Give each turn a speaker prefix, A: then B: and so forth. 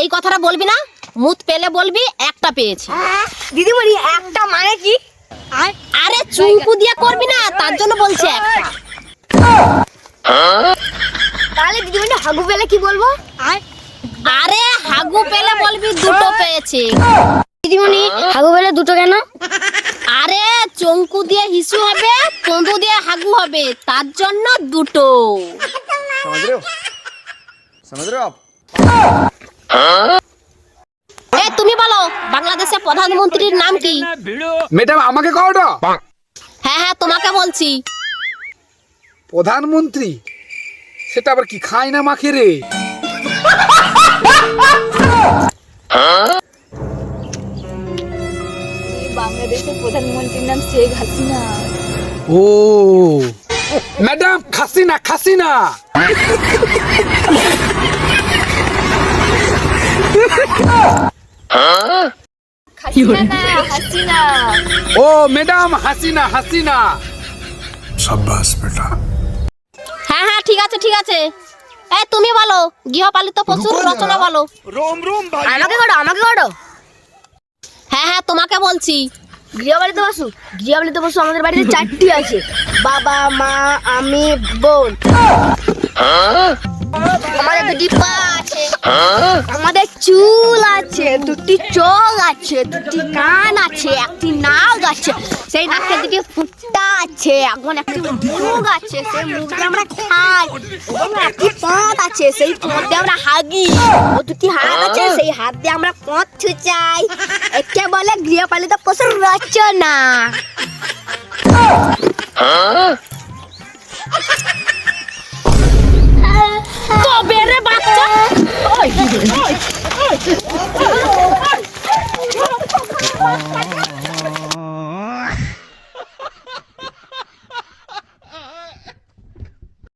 A: ওই কথাটা বলবি না, মুত পেলে বলবি একটা পেয়েছি।
B: দিদিমণি একটা মানে কি?
A: আরে চুমকু দিয়ে করবি না, তার জন্য বলছি একটা।
B: তাহলে দিদিমণি হাগু পেলে কি বলবো?
A: আরে হাগু পেলে বলবি দুটো পেয়েছি।
B: দিদিমণি হাগু পেলে দুটো কেন?
A: আরে চঙ্কু দিয়ে হিসু হবে, পন্দু দিয়ে হাগু হবে, তার জন্য দুটো।
C: समझ रहे हो? समझ रहे हो आप?
A: তুমি বলো বাংলাদেশের প্রধানমন্ত্রীর নাম কি?
D: ম্যাডাম আমাকে কওটা।
A: হ্যাঁ হ্যাঁ তোমাকে বলছি।
D: প্রধানমন্ত্রী সেটা আবার কি খায় না মাখে রে?
B: বাংলাদেশের প্রধানমন্ত্রীর নাম শেখ হাসিনা।
D: ও ম্যাডাম খাসিনা খাসিনা।
B: হাসিনা।
D: ও ম্যাডাম হাসিনা হাসিনা। শাবাশ বেটা।
A: হ্যাঁ হ্যাঁ ঠিক আছে ঠিক আছে। তুমি বলো গৃহপালিত পশুর রচনা বলো।
B: আমাকে করো আমাকে করো।
A: হ্যাঁ হ্যাঁ তোমাকে বলছি।
B: গৃহপালিত পশু, গৃহপালিত পশু আমাদের বাড়িতে 4টি আছে। বাবা, মা, আমি, বোন। আমাদের 2টি পা আছে, আমাদের চুল আছে, 2টি চোখ আছে, 2টি কান আছে, 1টি নাক আছে, সেই নাকে 2টি ফুটা আছে, এখন 1টি মুখ আছে, সেই মুখ দিয়ে আমরা খাই, এবং 1টি পথ আছে, সেই পথ দিয়ে আমরা হাগি, ও 2টি হাত আছে, সেই হাত দিয়ে আমরা পথ ছুঁচাই। একে বলে গৃহপালিত পশুর রচনা।
A: কবে রে বাচ্চা?